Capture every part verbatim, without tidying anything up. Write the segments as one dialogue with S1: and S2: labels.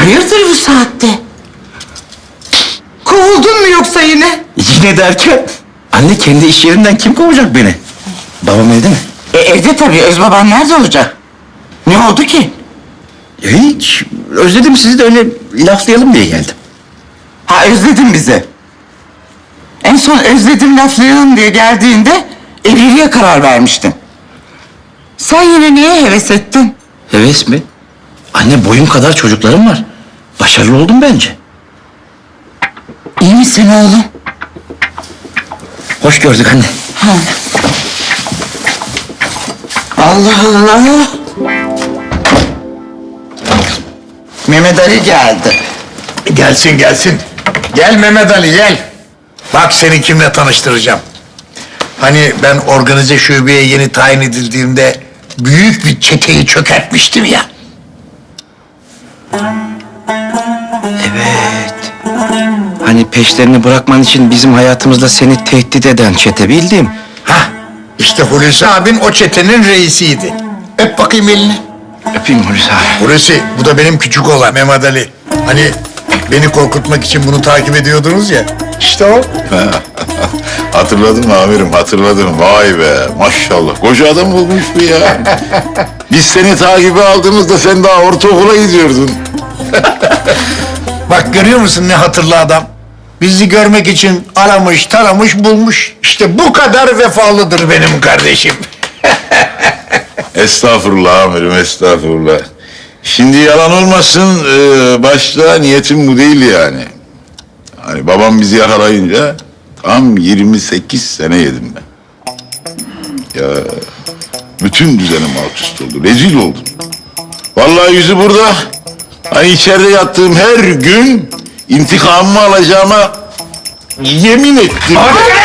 S1: Hayırdır bu saatte? Kovuldun mu yoksa yine?
S2: Yine derken? Anne kendi iş yerinden kim kovacak beni? Babam evde mi?
S1: E, evde tabii. Özbaban nerede olacak? Ne oldu ki?
S2: Ya hiç. Özledim sizi de öyle laflayalım diye geldim.
S1: Ha, özledin bizi. En son özledim laflayalım diye geldiğinde evliliğe karar vermiştin. Sen yine niye heves ettin?
S2: Heves mi? Anne boyum kadar çocuklarım var. Başarılı oldum bence.
S1: İyi misin oğlum?
S2: Hoş gördük anne.
S1: Ha. Allah Allah. Mehmet Ali geldi.
S3: Gelsin gelsin. Gel Mehmet Ali gel. Bak seni kimle tanıştıracağım. Hani ben organize şubeye yeni tayin edildiğimde büyük bir çeteyi çökertmiştim ya.
S2: Evet. Hani peşlerini bırakman için bizim hayatımızda seni tehdit eden çete bildim.
S3: Hah işte Hulusi abin o çetenin reisiydi. Öp bakayım elini.
S2: Öpeyim Hulusi abi.
S3: Hulusi bu da benim küçük oğlan Mehmet Ali. Hani beni korkutmak için bunu takip ediyordunuz ya. İşte o.
S4: Hatırladım amirim, hatırladım. Vay be, maşallah. Koca adam bulmuş bu ya. Biz seni takibe aldığımızda sen daha ortaokula gidiyordun.
S3: Bak görüyor musun ne hatırlı adam? Bizi görmek için aramış, taramış, bulmuş. İşte bu kadar vefalıdır benim kardeşim.
S4: Estağfurullah amirim, estağfurullah. Şimdi yalan olmasın, e, başta niyetim bu değil yani. Hani babam bizi yakalayınca tam yirmi sekiz sene yedim ben. Ya bütün düzenim alt üst oldu, rezil oldum. Vallahi yüzü burada. Hani içeride yattığım her gün intikamımı alacağıma yemin ettim.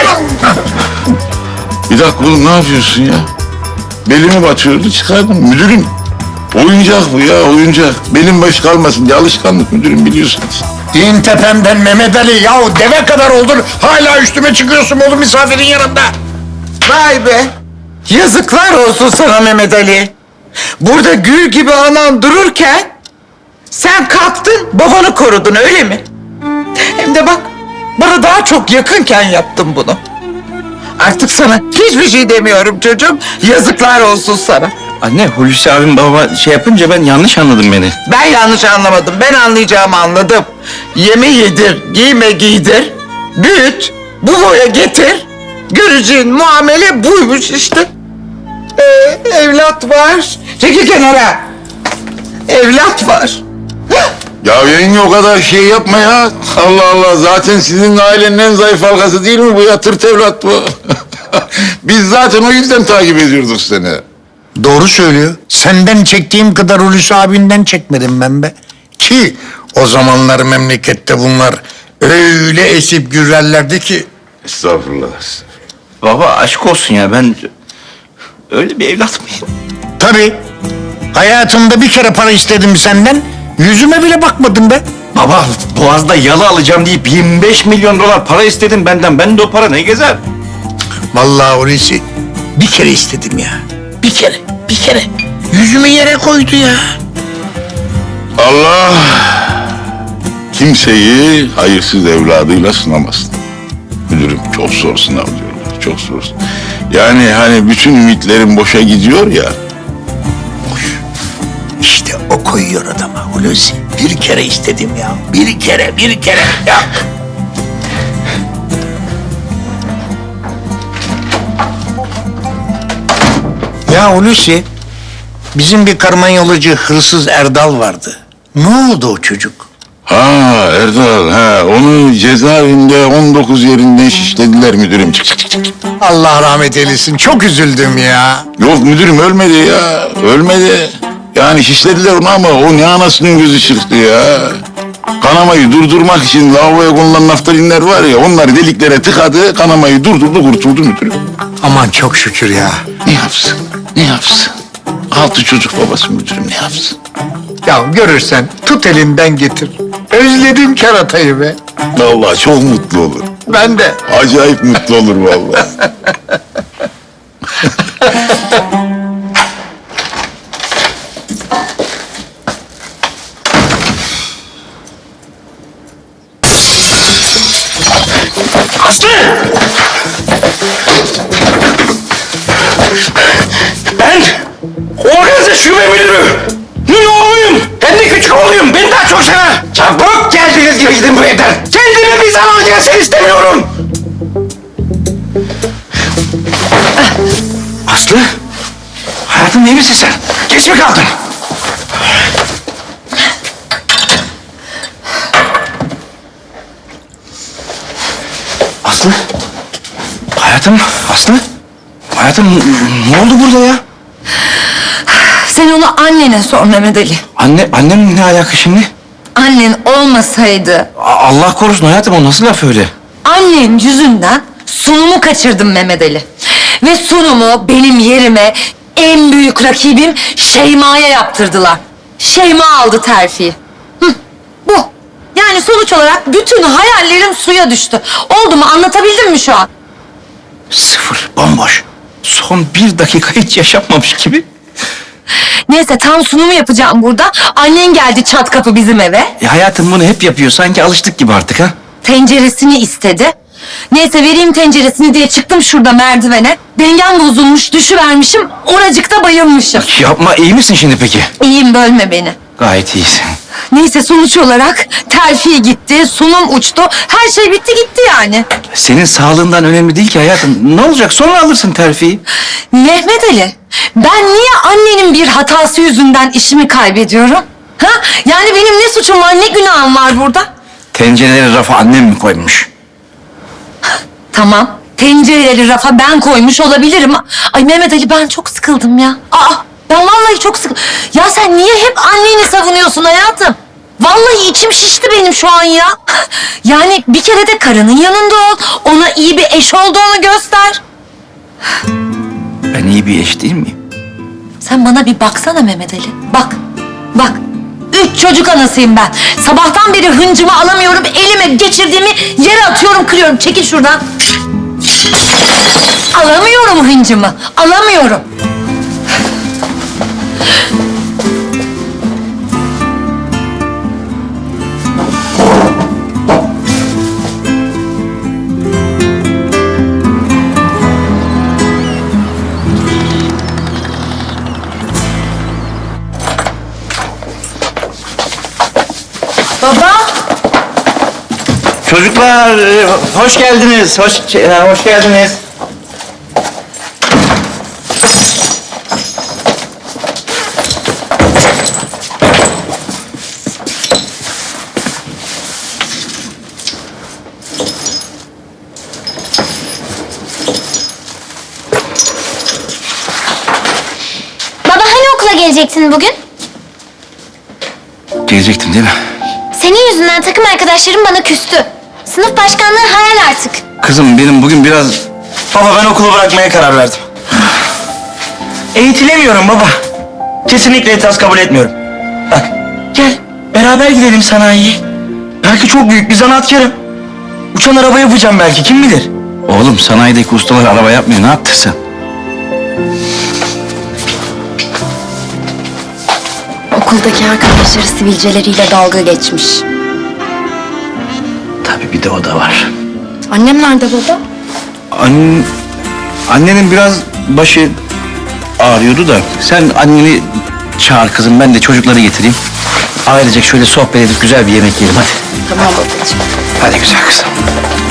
S4: Bir dakika oğlum ne yapıyorsun ya? Belimi batıyordu çıkardım. Müdürüm oyuncak bu ya oyuncak. Belim baş kalmasın diye alışkanlık müdürüm biliyorsunuz.
S3: İn tepemden Mehmet Ali. Yahu deve kadar oldun. Hala üstüme çıkıyorsun oğlum misafirin yanında.
S1: Vay be. Yazıklar olsun sana Mehmet Ali. Burada gül gibi anan dururken sen kalktın babanı korudun öyle mi? Hem de bak bana daha çok yakınken yaptın bunu. Artık sana hiçbir şey demiyorum çocuğum. Yazıklar olsun sana.
S2: Anne Hulusi abim baba şey yapınca ben yanlış anladım beni.
S1: Ben yanlış anlamadım. Ben anlayacağımı anladım. Yeme yedir, giyme giydir, büyüt, bu boya getir. Göreceğin muamele buymuş işte. Ee, evlat var. Çekil kenara. Evlat var.
S4: Ya yenge o kadar şey yapma ya. Allah Allah zaten sizin ailenin en zayıf halkası değil mi bu ya tırt evlat bu. Biz zaten o yüzden takip ediyorduk seni.
S3: Doğru söylüyor. Senden çektiğim kadar Hulusi abinden çekmedim ben be. Ki o zamanlar memlekette bunlar öyle esip gürlerlerdi ki.
S4: Estağfurullah.
S2: Baba aşk olsun ya ben öyle bir evlat mıyım?
S3: Tabii. Hayatımda bir kere para istedim senden. Yüzüme bile bakmadın be.
S2: Baba Boğaz'da yalı alacağım deyip yirmi beş milyon dolar para istedin benden. Ben de o para ne gezer?
S3: Vallahi Hulusi bir kere istedim ya. Bir kere, bir kere. Yüzümü yere koydu ya.
S4: Allah kimseyi hayırsız evladıyla sınamasın. Müdürüm çok zor sınav diyorlar. Çok zor. Yani hani bütün ümitlerim boşa gidiyor ya.
S3: Boş. İşte o koyuyor adama Hulusi. Bir kere istedim ya. Bir kere, bir kere ya. Ya Hulusi, bizim bir karmanyolacı hırsız Erdal vardı. Ne oldu o çocuk?
S4: Ha Erdal ha onu cezaevinde on dokuz yerinden şişlediler müdürüm. Çık çık çık çık.
S3: Allah rahmet eylesin. Çok üzüldüm ya.
S4: Yok müdürüm ölmedi ya. Ölmedi. Yani şişlediler onu ama o ne anasının gözü çıktı ya. Kanamayı durdurmak için lavaboya konulan naftalinler var ya onları deliklere tıkadı kanamayı durdurdu kurtuldu müdürüm.
S3: Aman çok şükür ya.
S4: Ne yapsın? Ne yapsın? Altı çocuk babası müdürüm ne yapsın?
S3: Ya görürsen tut elinden getir. Özledim keratayı be.
S4: Vallahi çok mutlu olur.
S3: Ben de.
S4: Acayip mutlu olur vallahi.
S2: Aslı! Ben organize şube müdürü. Ne oğluyum? Hem de küçük oğluyum. Beni daha çok sever. Çabuk geldiğiniz gibi gidin bu evden. Kendime bir zaman gelsin istemiyorum. Aslı! Hayatım iyi misin sen? Geç mi kaldın? Aslı? Hayatım, Aslı? Hayatım ne oldu burada ya?
S5: Sen onu annene sor Mehmet Ali.
S2: Anne, annem ne alaka şimdi?
S5: Annen olmasaydı
S2: A- Allah korusun hayatım, o nasıl laf öyle?
S5: annem yüzünden sunumu kaçırdım Mehmet Ali. Ve sunumu benim yerime en büyük rakibim Şeyma'ya yaptırdılar. Şeyma aldı terfiyi. Hı, bu. Yani sonuç olarak bütün hayallerim suya düştü. Oldu mu, anlatabildim mi şu an?
S2: Sıfır, bomboş. Son bir dakika hiç yaşanmamış gibi.
S5: Neyse, tam sunumu yapacağım burada. Annen geldi çat kapı bizim eve.
S2: E, hayatım bunu hep yapıyor, sanki alıştık gibi artık ha.
S5: Tenceresini istedi. Neyse, vereyim tenceresini diye çıktım şurada merdivene. Dengem bozulmuş, düşüvermişim. Oracıkta bayılmışım.
S2: Yapma, iyi misin şimdi peki?
S5: İyiyim, bölme beni.
S2: Gayet iyisin.
S5: Neyse, sonuç olarak terfi gitti, sunum uçtu. Her şey bitti gitti yani.
S2: Senin sağlığından önemli değil ki hayatım. Ne olacak, sonra alırsın terfiyi.
S5: Mehmet Ali, ben niye annenin bir hatası yüzünden işimi kaybediyorum? Ha? Yani benim ne suçum var, ne günahım var burada?
S2: Tencereleri rafa annem mi koymuş?
S5: Tamam, tencereleri rafa ben koymuş olabilirim. Ay Mehmet Ali, ben çok sıkıldım ya. Aa, ben vallahi çok sıkıldım. Ya sen niye hep anneni savunuyorsun hayatım? Vallahi içim şişti benim şu an ya. Yani bir kere de karının yanında ol. Ona iyi bir eş olduğunu göster.
S2: Ben iyi bir eş değil miyim?
S5: Sen bana bir baksana Mehmet Ali. Bak, bak. Üç çocuk anasıyım ben. Sabahtan beri hıncımı alamıyorum. Elime geçirdiğimi yere atıyorum, kırıyorum. Çekil şuradan. Alamıyorum hıncımı. Alamıyorum. Baba.
S2: Çocuklar, e, hoş geldiniz. Hoş, e, hoş geldiniz.
S6: Baba hani okula gelecektin bugün?
S2: Gelecektin değil mi?
S6: Senin yüzünden takım arkadaşlarım bana küstü. Sınıf başkanlığı hayal artık.
S2: Kızım benim bugün biraz...
S7: Baba ben okulu bırakmaya karar verdim. Eğitilemiyorum baba. Kesinlikle itiraz kabul etmiyorum. Bak gel beraber gidelim sanayiye. Belki çok büyük bir zanaatkarım. Uçan araba yapacağım belki, kim bilir.
S2: Oğlum sanayideki ustalar araba yapmıyor, ne yaptın sen?
S8: Okuldaki arkadaşları sivilceleriyle dalga geçmiş.
S2: Tabii bir de o da var.
S8: Annem nerede baba?
S2: An... Annenin biraz başı ağrıyordu da. Sen anneni çağır kızım, ben de çocukları getireyim. Ailecek şöyle sohbet edip güzel bir yemek yiyelim hadi.
S8: Tamam babacığım.
S2: Hadi güzel kızım.